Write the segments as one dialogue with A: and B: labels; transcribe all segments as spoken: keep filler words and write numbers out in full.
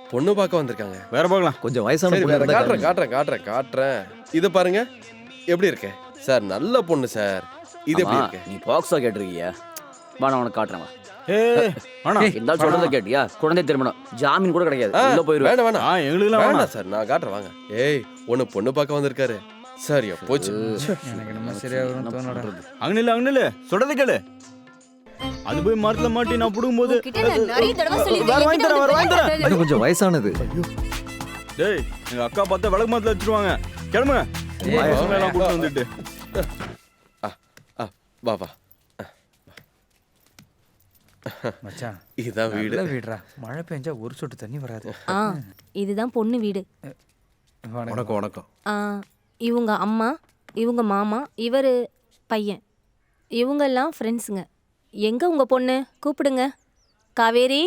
A: பொண்ணு பார்க்க வந்திருக்காங்க.
B: வேற பார்க்கலாம்.
C: கொஞ்சம் வயசான
A: சரி
C: பொண்ணு
A: வேற
C: இருந்தா
A: காட்டுறேன்
C: காட்டுங்க.
A: காட்டுறேன் காட்டுறேன் காட்டுறேன். இது பாருங்க எப்படி இருக்கு சார், நல்ல பொண்ணு சார். இது எப்படி இருக்கு?
D: நீ பாக்ஸா கேட்டிருக்கியா? வா நான் உனக்கு காட்டுறேன்.
B: ஏய் வேணா.
D: இருந்தாலும் சொல்றத கேட்டியா? குழந்தை திருமணம் ஜாமீன் கூட கிடையாது.
A: ஆ,
D: உள்ள போயிருவேன்.
A: வேணாம் வேணாம்
B: ஆ எங்களுக்குலாம் வேணாம்.
A: வேணாம் சார், நான் காட்டுறேன் வாங்க. ஏய் ஒண்ணு பொண்ணு பார்க்க வந்திருக்காரு. சரியா போச்சு.
E: எனக்கு நம்ம சரியா வரும் தோணடா.
B: அங்கனில அங்கனில சொல்றத கேளு. அது போய் மரத்துல மாட்டி நான் புடுங்கும்போது
F: உன்கிட்ட நான் நிறைய தடவை சொல்லிருக்கேன்.
B: வேற வாங்கி தரேன், வேற வாங்கி தரேன்.
C: அது கொஞ்சம் வயசானது.
B: டேய் எங்க அக்கா பார்த்தா விளக்கு மரத்துல வச்சிருவாங்க. கிளம்புங்க. பசங்க எல்லாம் கூட்டு வந்துட்டு.
A: ஆ, ஆ, வா வா.
E: மச்சான்
A: இதுதான் வீடு.
E: நல்ல வீடுடா. மழை பெஞ்சா ஒரு சொட்டு தண்ணி வராது.
F: ஆ இதுதான் பொண்ணு வீடு.
C: வணக்கம் வணக்கம்.
F: ஆ இவங்க அம்மா, இவங்க மாமா, இவர் பையன். இவங்கெல்லாம் ஃப்ரெண்ட்ஸுங்க. எங்க உங்க பொண்ணு? கூப்பிடுங்க. காவேரி.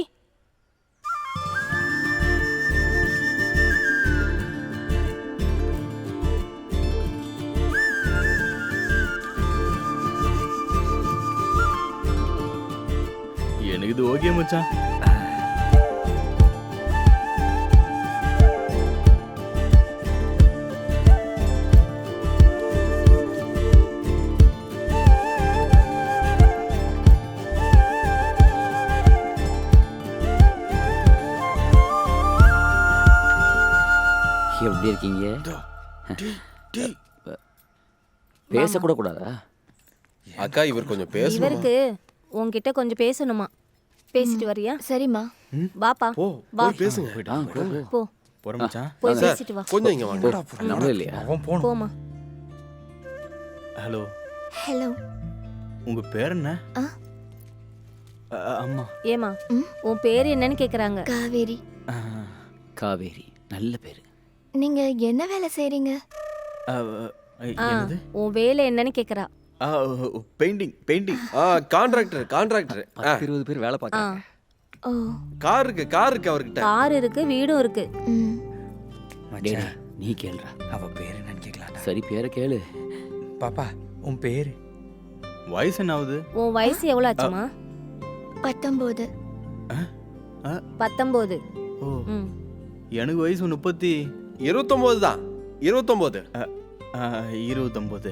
B: எனக்கு இது ஓகே மச்சான்.
D: எப்படி இருக்கீங்க? பேசக்கூட கூடாதா?
A: அக்கா இவர் கொஞ்சம் பேசணும்.
F: இவருக்கு உன்கிட்ட கொஞ்சம் பேசணுமா? பேசிட்டு வரியா?
G: சரிம்மா.
F: வாப்பா.
A: ஓ
F: வா.
A: போய் பேசுங்க.
D: ஆ, போ, போ.
F: போ
B: போறோம் மச்சான்.
F: போய்
A: சார்
F: பேசிட்டு வா.
A: கொஞ்சம் இங்க வாங்க.
D: நம்மளும் இல்லையா?
E: அவன் போணும்.
F: போமா.
B: Hello
G: hello.
B: உங்க பேர் என்ன?
G: ஆ?
B: அ, அம்மா.
F: ஏமா
G: ம்?
F: உன் பேர் என்னன்னு கேக்குறாங்க.
G: காவேரி.
B: ஆ,
D: காவேரி நல்ல பேரு.
G: நீங்க என்ன வேலை செய்றீங்க?
B: அ,
F: ஆ
B: என்னது?
F: உன் வேலை என்னன்னு கேக்குறா.
B: Painting painting.
A: ஆ கான்ட்ராக்டர் கான்ட்ராக்டர்.
C: பத்து இருபது பேர் வேலை
F: ஆ
C: பார்க்கறாங்க.
G: ஓ.
A: கார் இருக்கு கார் இருக்கு அவர்கிட்ட.
F: கார் இருக்கு, வீடும் இருக்கு.
G: ம்.
D: டேய்,
E: மச்சான்
D: நீ கேளுடா.
E: அவ பேர் என்னன்னு கேட்கலாம்டா.
D: சரி பேரை கேளு.
E: பாப்பா உன் பேரு?
B: வயசு என்ன ஆகுது?
F: உன் வயசு எவ்வளவு ஆச்சுமா?
G: பத்தொம்போது.
F: பத்தொன்பது.
B: ஓ
F: ம்.
B: எனக்கு வயசு முப்பத்தி
A: இருபத்தொன்பது தான். இருபத்தொன்பது.
B: இருபத்தொம்போது.